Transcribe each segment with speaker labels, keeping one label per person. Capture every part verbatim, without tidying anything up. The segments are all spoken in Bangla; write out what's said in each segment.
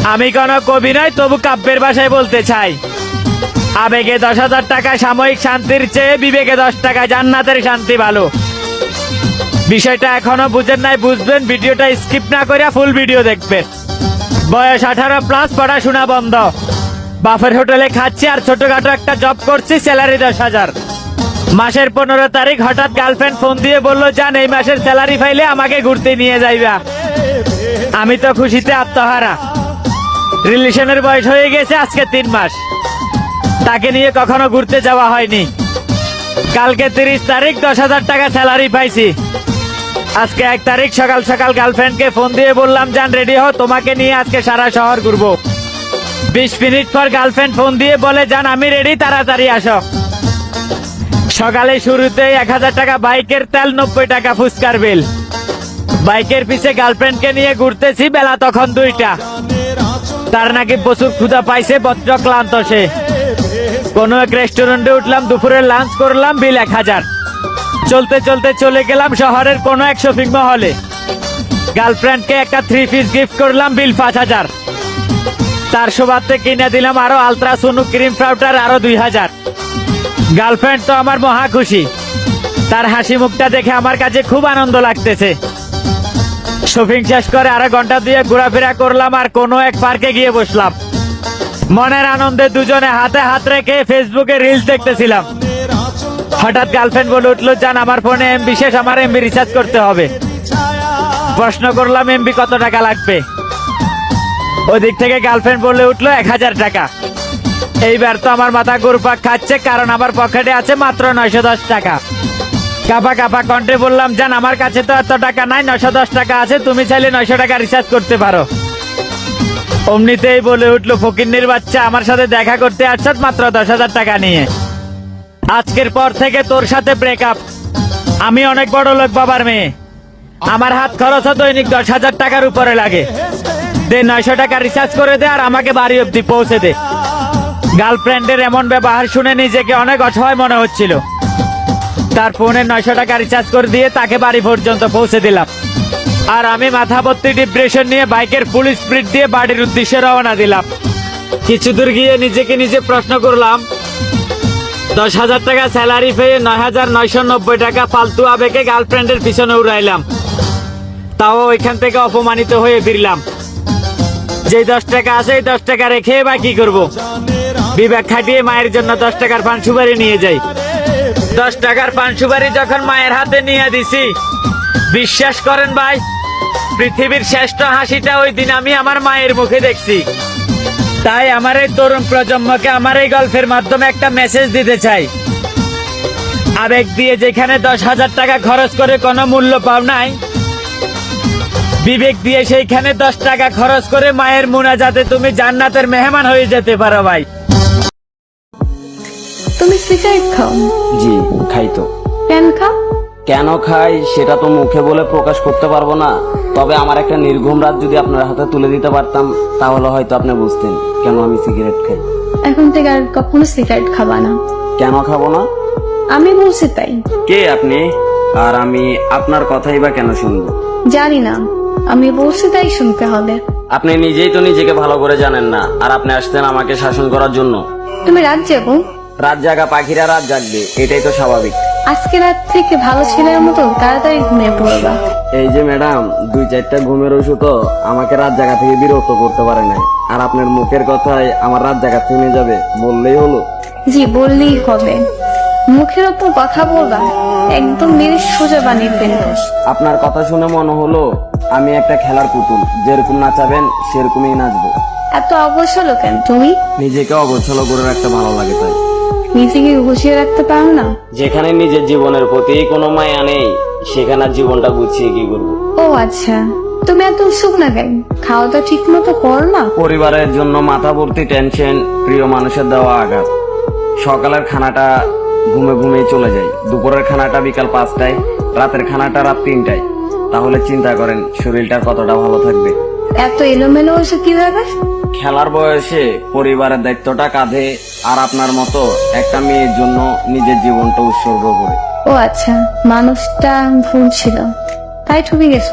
Speaker 1: আমি কোনো কবি নয়, তবু কাব্যের ভাষায় বলতে চাই, আবেগে দশ হাজার টাকা সাময়িক শান্তির চেয়ে বিবেকে দশ টাকা জান্নাতের শান্তি ভালো। বিষয়টা এখনো বুঝেন নাই, বুঝবেন, ভিডিওটা স্কিপ না করে ফুল ভিডিও দেখবেন। বয়স আঠারো প্লাস, পড়াশোনা বন্ধ, বাফের হোটেলে খাচ্ছি আর ছোটখাটো একটা জব করছি, স্যালারি দশ হাজার। মাসের পনেরো তারিখ হঠাৎ গার্লফ্রেন্ড ফোন দিয়ে বললো, যান এই মাসের স্যালারি পাইলে আমাকে ঘুরতে নিয়ে যাইবা। আমি তো খুশিতে আত্মহারা। রিলেশনের বয়স হয়ে গেছে আজকে তিন মাস, তাকে নিয়ে কখনো ঘুরতে যাওয়া হয়নি। কালকে তিরিশ তারিখ দশ হাজার টাকা স্যালারি পাইছি। আজকে এক তারিখ সকাল সকাল গার্লফ্রেন্ডকে ফোন দিয়ে বললাম, যান রেডি হও, তোমাকে নিয়ে আজকে সারা শহর ঘুরবো। বিশ মিনিট পর গার্লফ্রেন্ড ফোন দিয়ে বলে, যান আমি রেডি, তাড়াতাড়ি আসো। সকালে শুরুতেই এক হাজার টাকা বাইকের তেল, নব্বই টাকা ফুচকার বিল। বাইকের পিছে গার্লফ্রেন্ডকে নিয়ে ঘুরতেছি, বেলা তখন দুইটা। তার নাকি প্রচুর ক্ষুধা পাইছে, বজ্র ক্লান্ত সে। কোন এক রেস্টুরেন্টে উঠলাম, দুপুরে লাঞ্চ করলাম, বিল এক হাজার। চলতে চলতে চলে গেলাম শহরের কোন এক শপিং মহলে। গার্লফ্রেন্ডকে একটা থ্রি পিস গিফট করলাম, বিল পাঁচ হাজার। তার সুবাদে কিনে দিলাম আরো আলট্রা সোনু ক্রিম পাউডার, আরো দুই হাজার। গার্লফ্রেন্ড তো আমার মহা খুশি, তার হাসি মুখটা দেখে আমার কাছে খুব আনন্দ লাগতেছে। শপিং শেষ করে আরো ঘন্টা দিয়ে ঘোরাফেরা করলাম আর কোনো এক পার্কে গিয়ে বসলাম। মনের আনন্দে দুজনে হাতে হাত রেখে ফেসবুকে রিলস দেখতেছিলাম। হঠাৎ গার্লফ্রেন্ড বলে উঠলো, যান আমার ফোনে এমবি শেষ, আমার এমবি রিচার্জ করতে হবে। প্রশ্ন করলাম, এমবি কত টাকা লাগবে? ওদিক থেকে গার্লফ্রেন্ড বলে উঠলো, এক হাজার টাকা। এইবার তো আমার মাথা ঘুরপাক খাচ্ছে, কারণ আমার পকেটে আছে মাত্র নয়শো দশ টাকা। কাপা কাপা কণ্ঠে বললাম, জান আমার কাছে তো এত টাকা নাই, নয়শো দশ টাকা আছে, তুমি চাইলে নয়শো টাকা রিচার্জ করতে পারো। অমনিতেই বলে উঠলো, ফকিন্নির বাচ্চা, আমার সাথে দেখা করতে আসছ মাত্র দশ হাজার টাকা নিয়ে। আজকের পর থেকে তোর সাথে ব্রেকআপ। আমি অনেক বড় লোক বাবার মেয়ে, আমার হাত খরচ দৈনিক দশ হাজার টাকার উপরে লাগে। দে নয়শো টাকা রিচার্জ করে দে আর আমাকে বাড়ি অব্দি পৌঁছে দে। গার্লফ্রেন্ডের এমন ব্যবহার শুনে নিজেকে অনেক অসহায় মনে হচ্ছিল। তার ফোনে নয়শো টাকা রিচার্জ করে দিয়ে তাকে বাড়ি পর্যন্ত পৌঁছে দিলাম। আর আমি মাথা ভর্তি ডিপ্রেশন নিয়ে বাইকের ফুল স্পিড দিয়ে বাড়ির উদ্দেশ্যে রওনা দিলাম। কিছু দূর গিয়ে নিজেকে নিজে প্রশ্ন করলাম, দশ হাজার টাকা স্যালারি পেয়ে নয় হাজার নয়শো নব্বই টাকা ফালতু আবেগে গার্লফ্রেন্ডের পিছনে উড়াইলাম। তাও ওইখান থেকে অপমানিত হয়ে ফিরলাম। যে দশ টাকা আছে এই দশ টাকা রেখে বা কি করবো? বিবেক খাটিয়ে মায়ের জন্য দশ টাকার পান সুপারি নিয়ে যাই। দশ টাকার পান সুপারি যখন মায়ের হাতে নিয়ে দিছি, বিশ্বাস করেন ভাই, পৃথিবীর শ্রেষ্ঠ হাসিটা ওই দিন আমি আমার মায়ের মুখে দেখছি। তাই আমার এই তরুণ প্রজন্মকে আমার এই গল্পের মাধ্যমে একটা মেসেজ দিতে চাই। আবেগ দিয়ে যেখানে দশ হাজার টাকা খরচ করে কোনো মূল্য পাও নাই, বিবেক দিয়ে সেইখানে দশ টাকা খরচ করে মায়ের মুনাজাতে তুমি জান্নাতের মেহমান হয়ে যেতে পারো ভাই।
Speaker 2: তুমি সিগারেট খাও?
Speaker 3: জি খাই। তো
Speaker 2: কেন খাও?
Speaker 3: কেন খাই সেটা তো মুখে বলে প্রকাশ করতে পারবো না, তবে আমার একটা নির্ঘুম রাত যদি আপনার হাতে তুলে দিতে পারতাম তাহলে হয়তো আপনি বুঝতেন কেন আমি সিগারেট খাই।
Speaker 2: এখন থেকে আর কখনো সিগারেট খাবা না।
Speaker 3: কেন খাবো না?
Speaker 2: আমি বলছি তাই।
Speaker 3: কে আপনি? আর আমি আপনার কথাই বা কেন শুনবো?
Speaker 2: জানি না, আমি বলছি তাই শুনতে হবে।
Speaker 3: আপনি নিজেই তো নিজেকে ভালো করে জানেন না, আর আপনি আসতেন আমাকে শাসন করার জন্য।
Speaker 2: তুমি রাত যাবো?
Speaker 3: রাত জাগা পাখিরা রাত জাগবে, এটাই তো স্বাভাবিক।
Speaker 2: আজকে রাত থেকে ভালো ছেলের মতো তাড়াতাড়ি ঘুমিয়ে পড়বা।
Speaker 3: এই যে ম্যাডাম, দুই চারটা ঘুমের ওষুধও আমাকে রাত জাগা থেকে বিরক্ত করতে পারে নাই, আর আপনার মুখের কথায় আমার রাত জাগা থেমে যাবে বললেই হলো।
Speaker 2: জি বললেই হবে। মুখের ওপর কথা বলবা, একদম মেরে সোজা বানিয়ে ফেলবো।
Speaker 3: আপনার কথা শুনে মনে হলো আমি একটা খেলার পুতুল, যেরকম নাচাবেন সেরকমই নাচবো।
Speaker 2: এত অবসল কেন তুমি?
Speaker 3: নিজেকে অগোছালো করে রাখতে ভালো লাগে তাই।
Speaker 2: নিজেকে গুছিয়ে রাখতে পারো না?
Speaker 3: যেখানে নিজের জীবনের প্রতি কোনো মায়া নেই সেখানে জীবনটা গুছিয়ে কি করবো?
Speaker 2: ও আচ্ছা, তুমি এত শুকনা কেন? খাওয়াটা ঠিক মতো কর না?
Speaker 3: পরিবারের জন্য মাথা ভর্তি টেনশন, প্রিয় মানুষের দেওয়া আঘাত। সকালের খানাটা ঘুমে ঘুমিয়ে চলে যায়, দুপুরের খানাটা বিকাল পাঁচটায়, রাতের খানাটা রাত তিনটায়। তাহলে চিন্তা করেন শরীরটা কতটা ভালো থাকবে।
Speaker 2: এত এলোমেলো হয়েছে কিভাবে?
Speaker 3: খেলার বয়সে পরিবারের দায়িত্বটা কাঁধে, আর আপনার মতো একটা মেয়ের জন্য নিজের জীবনটা উৎসর্গ করে।
Speaker 2: ও আচ্ছা, মানুষটা ভুল ছিল তাই ঠকে গেছো?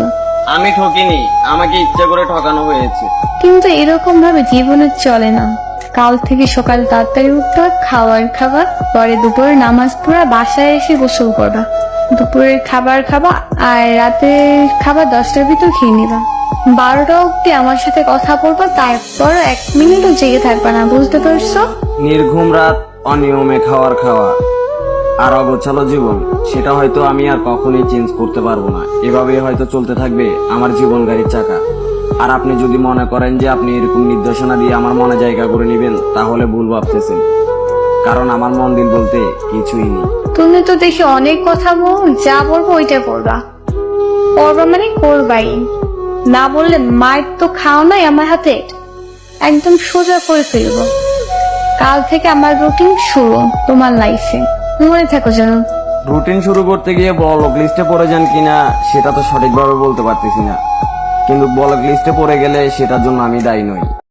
Speaker 3: আমি ঠকিনি, আমাকে ইচ্ছা করে ঠকানো হয়েছে।
Speaker 2: কিন্তু এরকম ভাবে জীবনে চলে না। কাল থেকে সকাল তাড়াতাড়ি উঠতে হয়, খাবার খাবার, পরে দুপুরে নামাজ পড়া, বাসায় এসে গোসল করবা, দুপুরের খাবার খাবা, আর রাতের খাবার দশটার ভিতর খেয়ে নিবা। বারোটা অব্দি আমার সাথে কথা বলবা, তারপর এক মিনিটও জেগে থাকবা না, বুঝতে পারছো?
Speaker 3: নির্ঘুম রাত, অনিয়মে খাওয়ার খাওয়া আর অগোছালো জীবন, সেটা হয়তো আমি আর কখনোই চেঞ্জ করতে পারবো না। এভাবেই হয়তো চলতে থাকবে আমার জীবন গাড়ির চাকা। আর আপনি যদি মনে করেন যে আপনি এরকম নির্দেশনা দিয়ে আমার মনে জায়গা করে নেবেন, তাহলে ভুল ভাবতেছেন, কারণ আমার মন দিল বলতে কিছুই নেই।
Speaker 2: তুমি তো দেখি অনেক কথা বল, যা বলবো ওইটা করবা। করবা মানে করবাই, না বললে মায়ের তো খাও নাই আমার হাতে, একদম সোজা করে ফেলবো। কাল থেকে আমার রুটিন শুরু তোমার লাইফে, মনে থাকো যেন।
Speaker 3: রুটিন শুরু করতে গিয়ে ব্লক লিস্টে পড়ে যান কিনা সেটা তো সঠিকভাবে বলতে পারতেছি না, কিন্তু ব্লক লিস্টে পড়ে গেলে সেটার জন্য আমি দায়ী নই।